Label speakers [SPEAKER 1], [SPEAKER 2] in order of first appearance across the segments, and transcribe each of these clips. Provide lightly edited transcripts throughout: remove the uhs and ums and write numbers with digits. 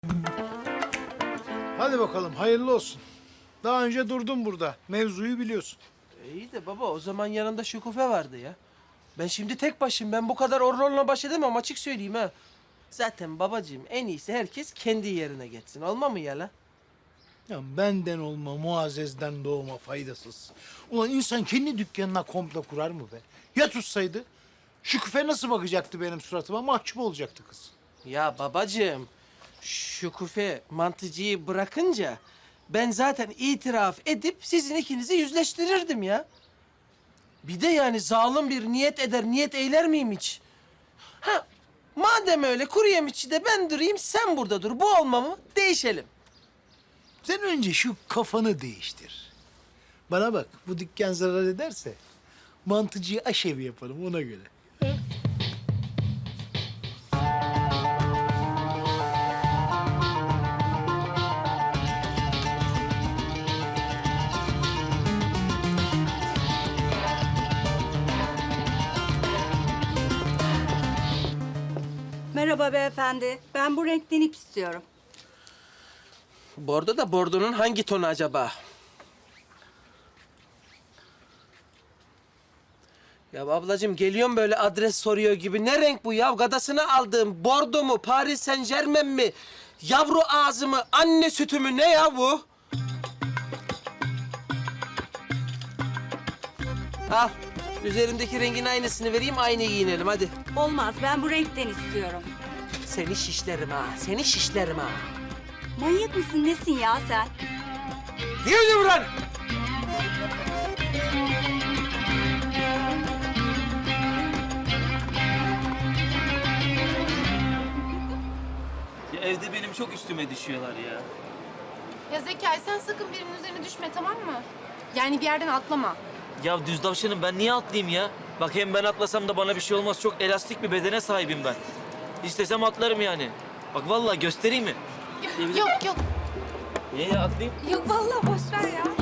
[SPEAKER 1] Hadi bakalım, hayırlı olsun. Daha önce durdum burada. Mevzuyu biliyorsun.
[SPEAKER 2] İyi de baba o zaman yanında Şükufe vardı ya. Ben şimdi tek başım. Ben bu kadar orrolla baş edemem açık söyleyeyim ha. Zaten babacığım en iyisi herkes kendi yerine geçsin. Olma mı ya la?
[SPEAKER 1] Ya benden olma, Muazzez'den doğma faydasız. Ulan insan kendi dükkanına komple kurar mı be? Ya tutsaydı? Şüküfe nasıl bakacaktı benim suratıma? Mahcup olacaktı kız.
[SPEAKER 2] Ya babacığım, Şükufe mantıcıyı bırakınca ben zaten itiraf edip sizin ikinizi yüzleştirirdim ya. Bir de yani zalim bir niyet eder, niyet eyler miyim hiç? Ha, madem öyle kuru yemişçi de ben durayım, sen burada dur. Bu olma mı? Değişelim.
[SPEAKER 1] Sen önce şu kafanı değiştir. Bana bak, bu dükkan zarar ederse mantıcıyı aşevi yaparım ona göre.
[SPEAKER 3] Merhaba beyefendi. Ben bu renkten ip istiyorum.
[SPEAKER 2] Bordo da bordonun hangi tonu acaba? Ya ablacığım geliyorum böyle adres soruyor gibi. Ne renk bu ya? Gadasını aldığım bordo mu, Paris Saint-Germain mi? Yavru ağzı mı, anne sütü mü? Ne ya bu? Al. Üzerindeki rengin aynısını vereyim, aynı giyinelim hadi.
[SPEAKER 3] Olmaz. Ben bu renkten istiyorum.
[SPEAKER 2] Seni şişlerim ha, seni şişlerim ha.
[SPEAKER 3] Manyak mısın nesin ya sen?
[SPEAKER 2] Yürü buradan!
[SPEAKER 4] Ya evde benim çok üstüme düşüyorlar ya.
[SPEAKER 5] Ya Zekai sen sakın birinin üzerine düşme tamam mı? Yani bir yerden atlama.
[SPEAKER 4] Ya düz tavşanım ben niye atlayayım ya? Bak hem ben atlasam da bana bir şey olmaz. Çok elastik bir bedene sahibim ben. İstesem atlarım yani. Bak vallahi göstereyim mi?
[SPEAKER 5] Yok yok.
[SPEAKER 4] Niye ya atlayayım?
[SPEAKER 5] Yok vallahi boş ver ya.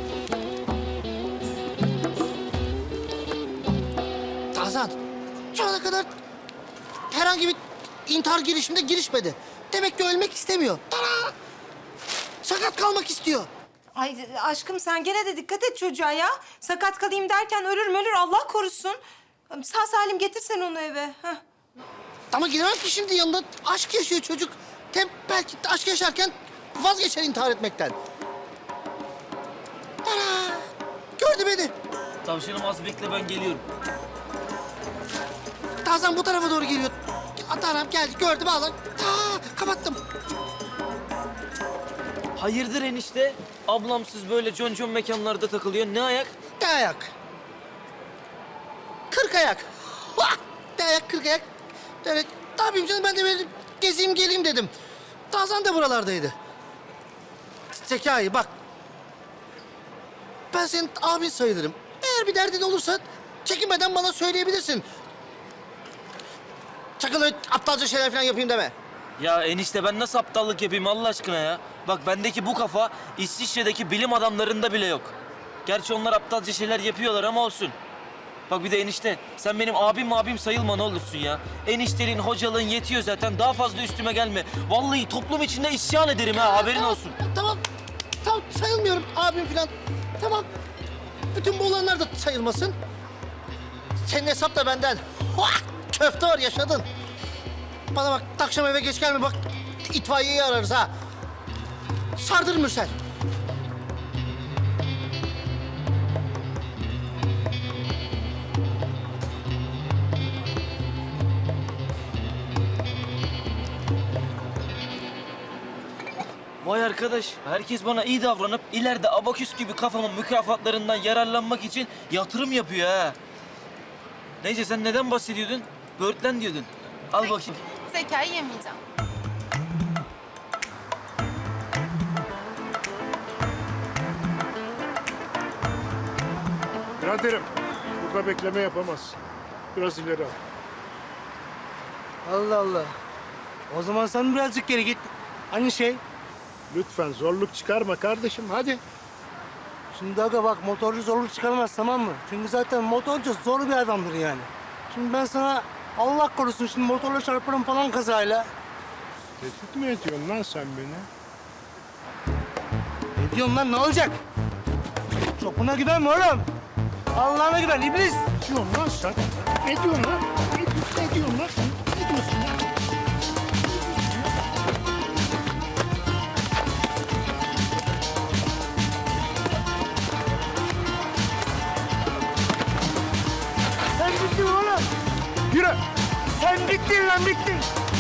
[SPEAKER 6] Tarzan, şu ana kadar herhangi bir intihar girişimine girişmedi. Demek ki ölmek istemiyor. Tara! Sakat kalmak istiyor.
[SPEAKER 7] Ay aşkım sen gene de dikkat et çocuğa ya. Sakat kalayım derken ölür Allah korusun. Sağ salim getirsen onu eve. Heh.
[SPEAKER 6] Ama giremem ki şimdi yanında. Aşk yaşıyor çocuk. Hem belki aşk yaşarken vazgeçer intihar etmekten. Tara! Gördü beni.
[SPEAKER 4] Tavşanım az bekle ben geliyorum.
[SPEAKER 6] Tarzan bu tarafa doğru geliyor. Taram geldi, gördü bağlan. Kapattım.
[SPEAKER 4] Hayırdır enişte? Ablamsız böyle concon mekanlarda takılıyor. Ne ayak?
[SPEAKER 6] Ne ayak? 40 ayak. Vah! Ne ayak, 40 ayak. Evet, ne yapayım canım ben de böyle gezeyim geleyim dedim. Tarzan da buralardaydı. Zekai bak. Ben senin abin sayılırım. Eğer bir derdin olursa çekinmeden bana söyleyebilirsin. Sakın öyle aptalca şeyler falan yapayım deme.
[SPEAKER 4] Ya enişte ben nasıl aptallık yapayım Allah aşkına ya? Bak bendeki bu kafa İsviçre'deki bilim adamlarında bile yok. Gerçi onlar aptalca şeyler yapıyorlar ama olsun. Bak bir de enişte sen benim abim sayılma ne olursun ya. Eniştenin hocalığın yetiyor zaten daha fazla üstüme gelme. Vallahi toplum içinde isyan ederim ha haberin olsun.
[SPEAKER 6] Tamam. Tamam sayılmıyorum abim falan. Tamam. Bütün bu olanlar da sayılmasın. Senin hesap da benden. Vah! Köfte var yaşadın. Bana bak akşam eve geç gelme bak. İtfaiyeyi ararız ha. Sardır Mürsel.
[SPEAKER 4] Vay arkadaş, herkes bana iyi davranıp ileride abaküs gibi kafamın mükafatlarından yararlanmak için yatırım yapıyor ha. Neyse sen neden bahsediyordun? Böğürtlen diyordun. Al bakayım.
[SPEAKER 5] Zekai yemeyeceğim.
[SPEAKER 8] Biraderim, burada bekleme yapamaz. Biraz ileri al.
[SPEAKER 9] Allah Allah. O zaman sen birazcık geri git. Aynı şey.
[SPEAKER 8] Lütfen zorluk çıkarma kardeşim, hadi.
[SPEAKER 9] Şimdi aga bak motorcu zorluk çıkarmaz tamam mı? Çünkü zaten motorcu zor bir adamdır yani. Şimdi ben sana Allah korusun şimdi motorla çarparım falan kazayla.
[SPEAKER 8] Tehdit mi ediyorsun lan sen beni?
[SPEAKER 9] Ne diyorsun lan, ne olacak? Çopuna güvenme oğlum. Allah'ına güven iblis.
[SPEAKER 8] Ne diyorsun lan sen? Ne diyorsun lan? Ne diyorsun lan? Ne diyorsun lan?
[SPEAKER 9] Sen bittin oğlum.
[SPEAKER 8] Yürü!
[SPEAKER 9] Sen bittin lan, bittin.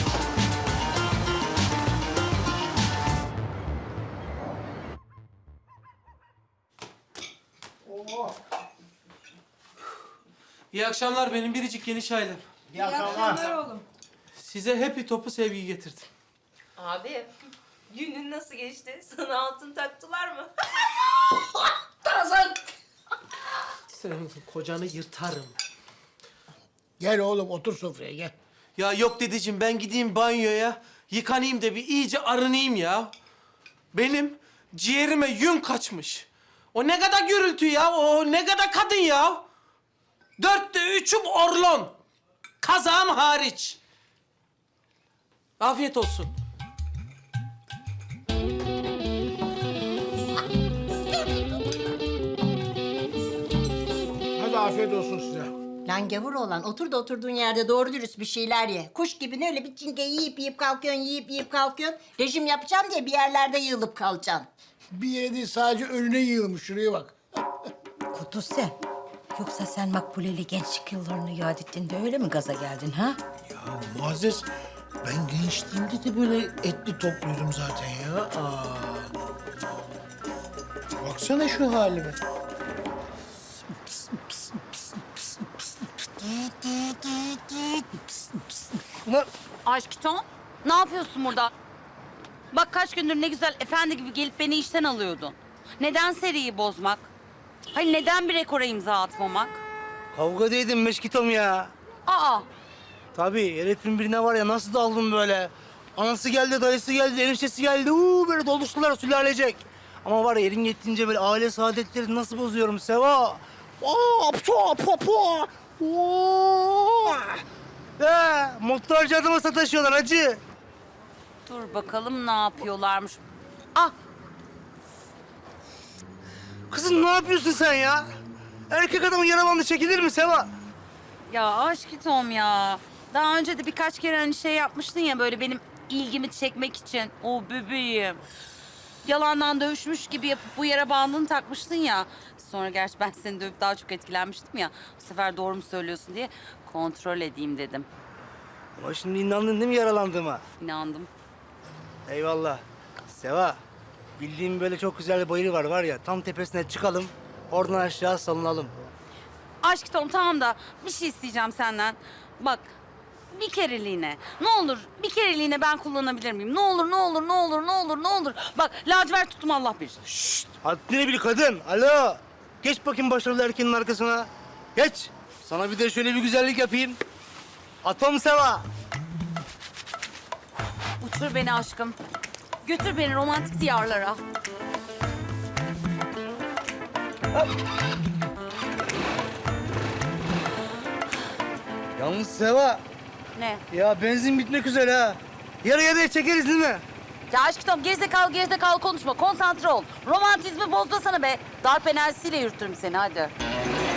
[SPEAKER 2] İyi akşamlar benim biricik geniş ailem.
[SPEAKER 7] İyi akşamlar oğlum.
[SPEAKER 2] Size happy topu sevgi getirdim.
[SPEAKER 7] Abi, günün nasıl geçti? Sana altın taktılar mı?
[SPEAKER 2] Senin kocanı yırtarım.
[SPEAKER 1] Gel oğlum otur sofraya gel.
[SPEAKER 2] Ya yok dedeciğim ben gideyim banyoya, yıkanayım da bir iyice arınayım ya. Benim ciğerime yün kaçmış. O ne kadar gürültü ya, o ne kadar kadın ya. 4'te 3'üm orlon. Kazağım hariç. Afiyet olsun.
[SPEAKER 1] Hadi afiyet olsun size.
[SPEAKER 10] Lan gavur olan otur da oturduğun yerde doğru dürüst bir şeyler ye. Kuş gibi öyle bir çinge yiyip kalkıyorsun, yiyip kalkıyorsun. Rejim yapacağım diye bir yerlerde yığılıp kalacaksın.
[SPEAKER 1] Bir yere değil sadece önüne yığılmış. Şuraya bak.
[SPEAKER 10] Kudüs'e. Yoksa sen Makbule'li gençlik yıllarını yad ettin de öyle mi gaza geldin ha?
[SPEAKER 1] Ya Muazzez, ben gençliğimde de böyle etli topluydum zaten ya. Baksana şu halime.
[SPEAKER 11] Aşkım, ne yapıyorsun burada? Bak kaç gündür ne güzel efendi gibi gelip beni işten alıyordun. Neden seriyi bozmak? Hayır neden bir rekora imza atmamak?
[SPEAKER 9] Kavga değildin Meşkitom ya.
[SPEAKER 11] Aa,
[SPEAKER 9] Tabii herifin birine var ya nasıl daldım böyle. Anası geldi, dayısı geldi, eniştesi geldi. Böyle doluştular sülalecek. Ama var ya elin yettiğince böyle aile saadetlerini nasıl bozuyorum Seva. Motorcu adama sataşıyorlar hacı.
[SPEAKER 11] dur bakalım ne yapıyorlarmış. Ah,
[SPEAKER 9] Kızım ne yapıyorsun sen ya? Erkek adamın yaramanlı çekilir mi Seva?
[SPEAKER 11] ya aşkım ya. Daha önce de birkaç kere hani şey yapmıştın ya böyle benim ilgimi çekmek için. O bebeğim. Yalandan dövüşmüş gibi yapıp bu yara bandını takmıştın ya. Sonra gerçi ben seni dövüp daha çok etkilenmiştim ya. Bu sefer doğru mu söylüyorsun diye kontrol edeyim dedim.
[SPEAKER 9] Ama şimdi inandın değil mi yaralandığıma?
[SPEAKER 11] İnandım.
[SPEAKER 9] Eyvallah. Seva, bildiğim böyle çok güzel bir bayırı var ya. Tam tepesine çıkalım, oradan aşağı salınalım.
[SPEAKER 11] Aşk Tom tamam da bir şey isteyeceğim senden. Bak bir kereliğine. Ne olur bir kereliğine ben kullanabilir miyim? Ne olur ne olur ne olur ne olur ne olur. Bak lacivert tuttum Allah bilir.
[SPEAKER 9] Haddini bil kadın. Alo. Geç bakayım başarılı erkeğin arkasına. Geç. Sana bir de şöyle bir güzellik yapayım. Atom Seva.
[SPEAKER 11] Uçur beni aşkım. Götür beni romantik diyarlara.
[SPEAKER 9] Yalnız Seva,
[SPEAKER 11] Ne?
[SPEAKER 9] ya benzin bitmek üzere ha. Yarı yarıya çekeriz değil mi?
[SPEAKER 11] Ya aşkım gerizekalı konuşma. Konsantre ol. Romantizmi bozmasana be. Darp enerjisiyle yürütürüm seni hadi.